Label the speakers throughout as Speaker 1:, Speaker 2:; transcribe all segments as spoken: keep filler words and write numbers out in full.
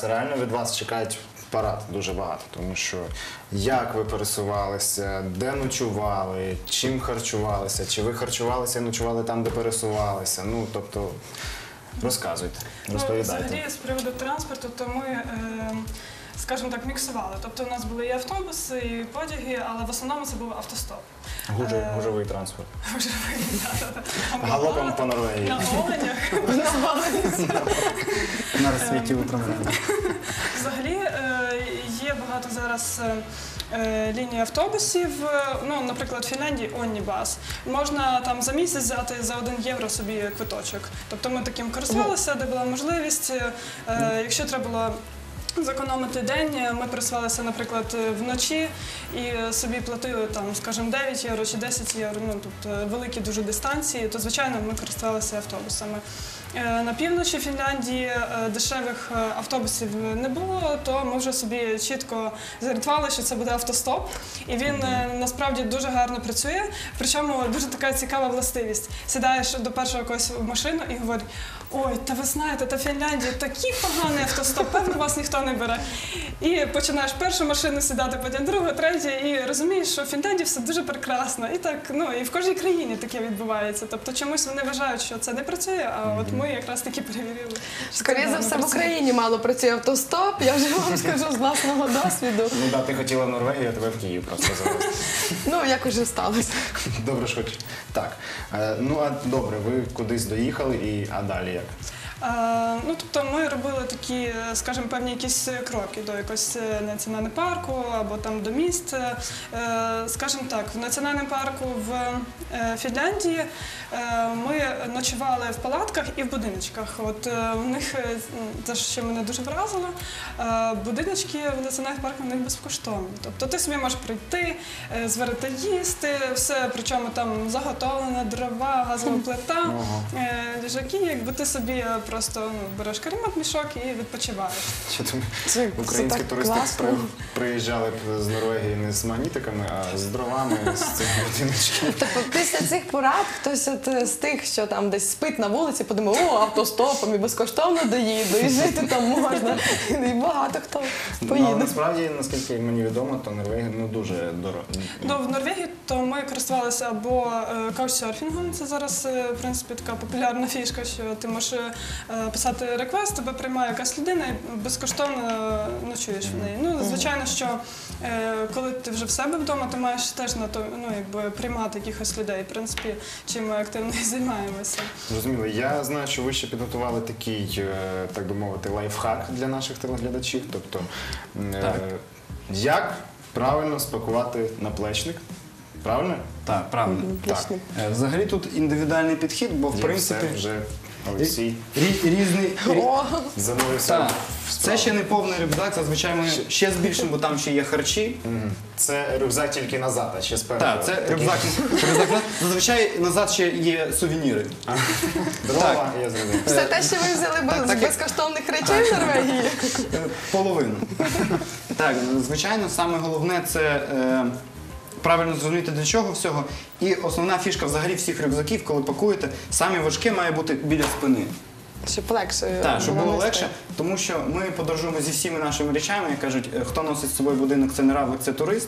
Speaker 1: зараз реально від вас чекають парад дуже багато, тому що як ви пересувалися, де ночували, чим харчувалися, чи ви харчувалися і ночували там, де пересувалися, ну, тобто, розказуйте, розповідайте.
Speaker 2: Ну, взагалі, з приводу транспорту, то ми, е, скажімо так, міксували. Тобто у нас були і автобуси, і потяги, але в основному це був автостоп.
Speaker 1: Гужовий,
Speaker 2: Е,
Speaker 1: гужовий транспорт.
Speaker 2: Гужовий, так, так.
Speaker 1: Галопом по Норвегії.
Speaker 2: На оленях.
Speaker 3: На розсвіті управління.
Speaker 2: Взагалі е, є багато зараз е, ліній автобусів, ну, наприклад, в Фінляндії Оннібас. Можна там за місяць взяти за один євро собі квиточок. Тобто ми таким користувалися, де була можливість. Е, якщо треба було зекономити день, ми пересувалися, наприклад, вночі і собі платили, там, скажімо, дев'ять євро чи десять євро, ну, тобто великі дуже дистанції, то, звичайно, ми користувалися автобусами. На півночі Фінляндії дешевих автобусів не було, то ми вже собі чітко зарятували, що це буде автостоп. І він насправді дуже гарно працює, причому дуже така цікава властивість. Сідаєш до першого когось в машину і говориш: ой, та ви знаєте, та Фінляндія такий поганий автостоп, певно, вас ніхто не бере. І починаєш першу машину сідати, потім другу, третю, і розумієш, що в Фінляндії все дуже прекрасно. І так, ну, і в кожній країні таке відбувається. Тобто чомусь вони вважають, що це не працює, а от ми якраз таки перевірили.
Speaker 4: Скоріше за все, в Україні мало працює автостоп, я вже вам скажу з власного досвіду.
Speaker 1: Ну так, ти хотіла в Норвегію, а тебе в Київ просто завезли.
Speaker 4: Ну, як уже сталося.
Speaker 1: Добре ж хоч. Так, е, ну а добре, ви кудись доїхали, і а далі як?
Speaker 2: Е, ну, тобто ми робили такі, скажімо, певні якісь кроки до якогось національного парку або там до міст. Е, скажімо так, в національному парку в е, Фінляндії е, ми ночували в палатках і в будиночках. От е, в них, те, що мене дуже вразило, е, будиночки в національних парках в них безкоштовні. Тобто ти собі можеш прийти, е, зварити їсти, все, причому там заготовлена дрова, газова плита, е, ліжаки, якби ти собі просто ну, береш каремат, мішок і відпочиваєш.
Speaker 1: Чи там
Speaker 4: Це,
Speaker 1: українські
Speaker 4: це
Speaker 1: туристи
Speaker 4: класно.
Speaker 1: при, приїжджали б з Норвегії не з магнітиками, а з дровами, з цих будиночків?
Speaker 4: Тобто після цих порад хтось от з тих, що там десь спить на вулиці, подумав: о, автостопом і безкоштовно доїду, і жити там можна. І багато хто
Speaker 1: Ну,
Speaker 4: поїде.
Speaker 1: насправді, наскільки мені відомо, то Норвегія ну, дуже дорого.
Speaker 2: Ну, в Норвегії то ми користувалися або е, каучсерфінгом, це зараз, е, в принципі, така популярна фішка, що ти можеш е, писати реквест, тебе приймає якась людина і безкоштовно ночуєш в неї. Ну, звичайно, що е, коли ти вже в себе вдома, ти маєш теж на то, ну, якби, приймати якихось людей, в принципі, чим ми активно і займаємося.
Speaker 1: Зрозуміло. Я знаю, що ви ще підготували такий, е, так би мовити, лайфхак для наших телеглядачів. Тобто, е,
Speaker 3: Так.
Speaker 1: як правильно спакувати наплечник? Правильно?
Speaker 3: Так, правильно.
Speaker 4: Отлично.
Speaker 3: Е, Взагалі тут індивідуальний підхід, бо в
Speaker 1: Є
Speaker 3: принципі
Speaker 1: все вже Олексій
Speaker 3: рі- різний.
Speaker 4: О,
Speaker 1: занурився
Speaker 3: Так,
Speaker 1: в
Speaker 3: це
Speaker 1: справу.
Speaker 3: ще не повний рюкзак, зазвичай ми ще збільшимо, бо там ще є харчі.
Speaker 1: Мгм. Це рюкзак тільки назад, а ще спереду.
Speaker 3: Так, це
Speaker 1: Такий
Speaker 3: рюкзак. рюкзак. Зазвичай назад ще є сувеніри.
Speaker 1: дрова, я зрозумів.
Speaker 4: все те, що ви взяли без
Speaker 3: так, як-
Speaker 4: безкоштовних речей в Норвегії.
Speaker 3: Е, Половину. Так, звичайно, саме головне це е, правильно зрозуміти для чого всього. І основна фішка взагалі всіх рюкзаків, коли пакуєте, саме важке має бути біля спини.
Speaker 4: Щоб легше.
Speaker 3: Так, щоб було
Speaker 4: нести.
Speaker 3: легше, тому що ми подорожуємо зі всіми нашими речами, як кажуть, е, хто носить з собою будинок, це не равлик, це турист.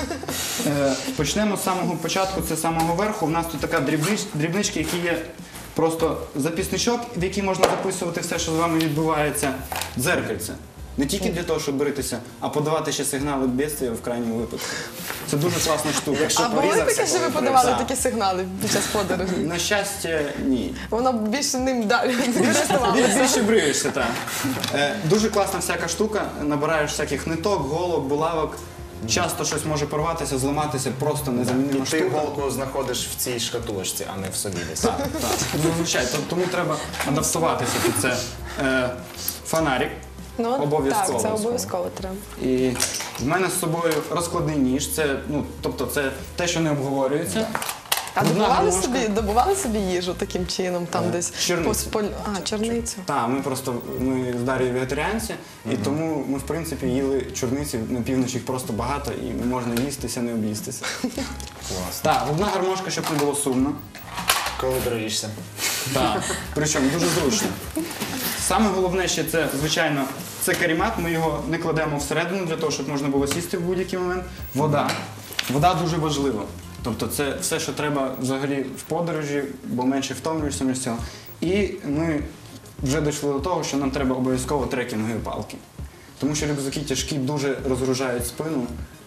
Speaker 3: Е, Почнемо з самого початку, це з самого верху. У нас тут така дрібнич- дрібнички, які є просто записничок, в який можна записувати все, що з вами відбувається, дзеркальце. Не тільки для того, щоб бритися, а подавати ще сигнали бідствия в крайньому випадку. Це дуже класна штука.
Speaker 1: Якщо
Speaker 4: А були
Speaker 1: порізався,
Speaker 4: таке, що ви
Speaker 1: коли
Speaker 4: подавали
Speaker 3: Так.
Speaker 4: такі сигнали під час подорожі?
Speaker 3: На щастя, ні.
Speaker 4: Воно більше ним далі користувалося.
Speaker 3: Більше, більше бриєшся, так. Е, дуже класна всяка штука. Набираєш всяких ниток, голок, булавок. Часто щось може порватися, зламатися, просто
Speaker 1: І
Speaker 3: незамінима
Speaker 1: ти
Speaker 3: штука.
Speaker 1: голку знаходиш в цій шкатулочці, а не в собі десь.
Speaker 3: Так, так. Зазвичай. Т- Тому треба адаптуватися під це. Е, фонарик.
Speaker 4: Ну,
Speaker 3: Обов'язково.
Speaker 4: так, це обов'язково треба.
Speaker 3: І в мене з собою розкладний ніж. Це, ну, тобто це те, що не обговорюється.
Speaker 4: А
Speaker 3: Одна
Speaker 4: добували
Speaker 3: гармошка.
Speaker 4: собі, добували собі їжу таким чином, там
Speaker 3: Е,
Speaker 4: десь
Speaker 3: чорницю.
Speaker 4: по споль... А, чорницю.
Speaker 3: Так, ми просто ми з Дар'єю вегетаріанці, і тому ми в принципі їли чорниці на півночі, їх просто багато, і можна їстися, не об'їстися.
Speaker 1: Клас.
Speaker 3: Так, одна гармошка, щоб не було сумно.
Speaker 1: Коли броїшся.
Speaker 3: Так. Причому дуже зручно. Саме головне ще це, звичайно, це карімат, ми його не кладемо всередину для того, щоб можна було сісти в будь-який момент. Вода. Вода дуже важлива. Тобто це все, що треба взагалі в подорожі, бо менше втомлюєшся від цього. І ми вже дійшли до того, що нам треба обов'язково трекінгові палки. Тому що рюкзаки тяжкі дуже розгружають спину.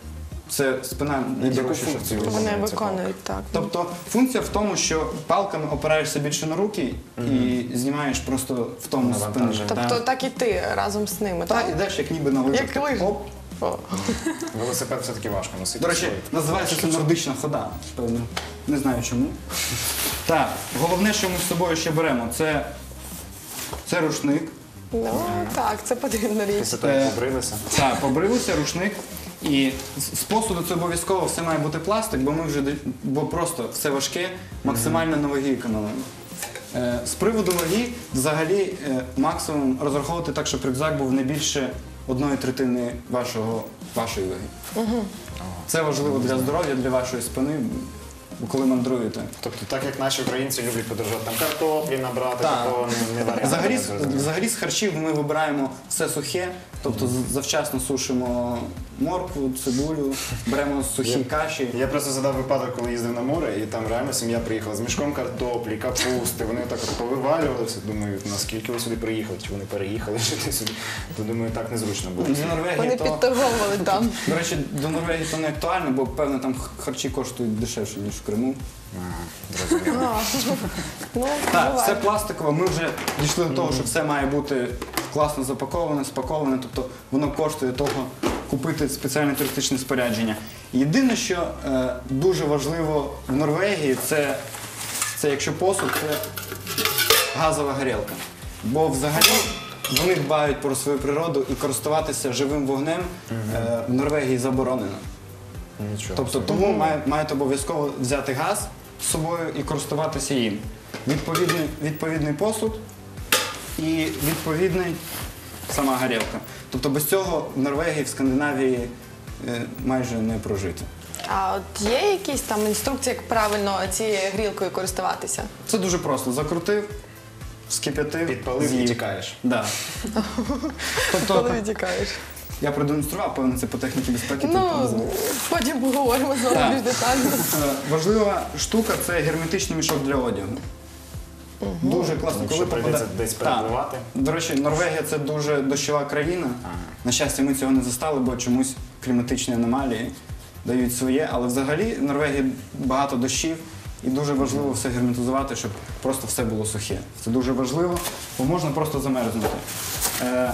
Speaker 3: Це спина найдорожча, що
Speaker 1: функцію
Speaker 3: це.
Speaker 4: Вони
Speaker 1: Це
Speaker 4: виконують так.
Speaker 3: Тобто функція в тому, що палками опираєшся більше на руки і знімаєш просто в тому спину.
Speaker 1: Навантаження.
Speaker 4: Тобто так і ти разом з ними,
Speaker 3: Так,
Speaker 4: так?
Speaker 3: ідеш як ніби на лижах.
Speaker 4: Як лижі.
Speaker 3: Оп.
Speaker 4: О.
Speaker 1: Велосипед все-таки важко носити.
Speaker 3: До речі,
Speaker 1: свої.
Speaker 3: називається це нордична хода. Певно. Не знаю чому. Так, головне, що ми з собою ще беремо, це, це рушник.
Speaker 4: Ну так, це потрібна річ.
Speaker 1: Після того, як побрилися.
Speaker 3: Так, побрилися, рушник. І з з посуду це обов'язково все має бути пластик, бо ми вже д- бо просто все важке, максимально на ваги економимо. Е, з приводу ваги, взагалі, е, максимум розраховувати так, щоб рюкзак був не більше одної третини вашого, вашої ваги. Це важливо для здоров'я, для вашої спини, коли мандруєте.
Speaker 1: Тобто, так як наші українці люблять подорожувати, там картоплі набрати,
Speaker 3: Так.
Speaker 1: такого не, не варіант.
Speaker 3: Взагалі,
Speaker 1: не
Speaker 3: з-
Speaker 1: зрозуміло.
Speaker 3: взагалі з харчів ми вибираємо все сухе, тобто з- завчасно сушимо моркву, цибулю, беремо сухі
Speaker 1: Я-
Speaker 3: каші.
Speaker 1: Я просто задав випадок, коли їздив на море, і там реально сім'я приїхала з мішком картоплі, капусти. Вони так от повивалювалися. Думаю, наскільки ви сюди приїхали? Чи вони переїхали жити сюди? То думаю, так незручно було.
Speaker 3: З Норвегії
Speaker 4: Вони
Speaker 3: то,
Speaker 4: підторговували там.
Speaker 3: до речі, до Норвегії то не актуально, бо певно там х- харчі коштують дешевше, ніж в Криму.
Speaker 1: Ага, зрозуміло.
Speaker 4: А, Ну,
Speaker 3: Так,
Speaker 4: буває.
Speaker 3: все пластикове. Ми вже дійшли до того, що все має бути класно запаковане, спаковане, тобто воно коштує того купити спеціальне туристичне спорядження. Єдине, що е, дуже важливо в Норвегії, це, це якщо посуд, це газова горілка. Бо взагалі вони дбають про свою природу і користуватися живим вогнем е, в Норвегії заборонено.
Speaker 1: Нічого.
Speaker 3: Тобто тому має- маєте обов'язково взяти газ з собою і користуватися їм. Відповідний, відповідний посуд і відповідний сама горілка. Тобто без цього в Норвегії, в Скандинавії е, майже не прожити.
Speaker 4: А от є якісь там інструкції, як правильно цією грілкою користуватися?
Speaker 3: Це дуже просто. Закрутив, вскип'ятив,
Speaker 1: Підпалив і
Speaker 3: з'їв.
Speaker 1: тікаєш.
Speaker 3: Да. Тобто
Speaker 4: Коли відтікаєш?
Speaker 3: я продемонстрував, певно, це по техніці безпеки.
Speaker 4: Ну,
Speaker 3: тут не
Speaker 4: потім поговоримо знову
Speaker 3: Так.
Speaker 4: більш детально.
Speaker 3: Е, Важлива штука це герметичний мішок для одягу. Дуже класно,
Speaker 1: Якщо
Speaker 3: коли
Speaker 1: прийдеться
Speaker 3: попадає-
Speaker 1: десь
Speaker 3: Так.
Speaker 1: перебувати.
Speaker 3: До речі, Норвегія це дуже дощова країна.
Speaker 1: Ага.
Speaker 3: На щастя, ми цього не застали, бо чомусь кліматичні аномалії дають своє. Але взагалі в Норвегії багато дощів і дуже важливо все герметизувати, щоб просто все було сухе. Це дуже важливо, бо можна просто замерзнути. Е,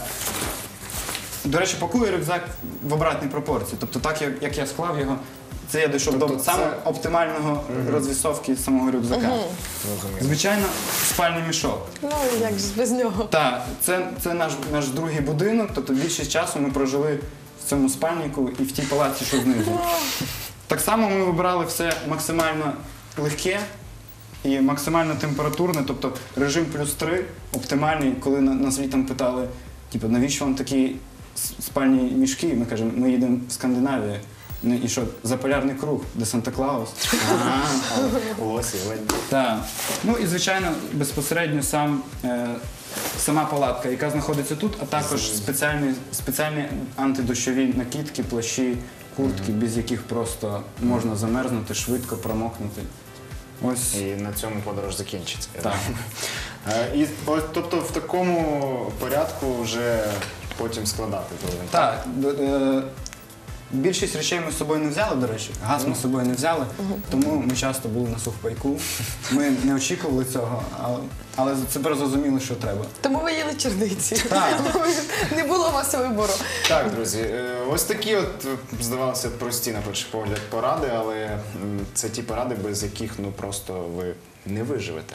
Speaker 3: До речі, пакую рюкзак в обратній пропорції. Тобто так, як, як я склав його, це я дійшов
Speaker 1: Тобто
Speaker 3: до
Speaker 1: це-
Speaker 3: саме оптимального розвісовки самого рюкзака.
Speaker 1: Зрозуміло.
Speaker 3: Звичайно, спальний мішок.
Speaker 4: Ну, як ж без нього.
Speaker 3: Так, це, це наш, наш другий будинок, тобто більшість часу ми прожили в цьому спальнику і в тій палаці, що знизу. Так само ми вибирали все максимально легке і максимально температурне, тобто режим плюс три, оптимальний, коли на- нас літом питали, типу, навіщо вам такі с- спальні мішки? Ми кажемо, ми їдемо в Скандинавію. Ну і що, за полярний круг, де Санта-Клаус.
Speaker 1: Ага, ось і ледь.
Speaker 3: Так. Ну і звичайно, безпосередньо сам, е, сама палатка, яка знаходиться тут, а також спеціальні, спеціальні антидощові накидки, плащі, куртки, без яких просто можна замерзнути, швидко промокнути. Ось.
Speaker 1: І на цьому подорож закінчиться. я
Speaker 3: Так.
Speaker 1: думаю. Е, І, о, тобто в такому порядку вже потім складати той інвентар.
Speaker 3: Так. д- е, Більшість речей ми з собою не взяли, до речі. Газ ми з собою не взяли, тому ми часто були на сухпайку. Ми не очікували цього, але, але тепер зрозуміли, що треба.
Speaker 4: Тому ви їли черниці.
Speaker 3: Так.
Speaker 4: Не було у вас вибору.
Speaker 1: Так, друзі, е, ось такі от, е, здавалося, прості на перший погляд поради, але м, це ті поради, без яких ну просто ви не виживете.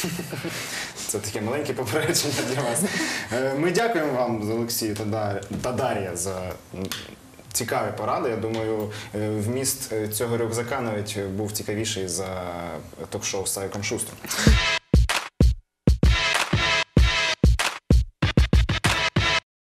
Speaker 1: Це таке маленьке попередження для вас. Е, Ми дякуємо вам, Олексію та Дар- та Дар'я, за м, цікаві поради. Я думаю, е, вміст е, цього рюкзака навіть був цікавіший за ток-шоу з Савіком Шустром.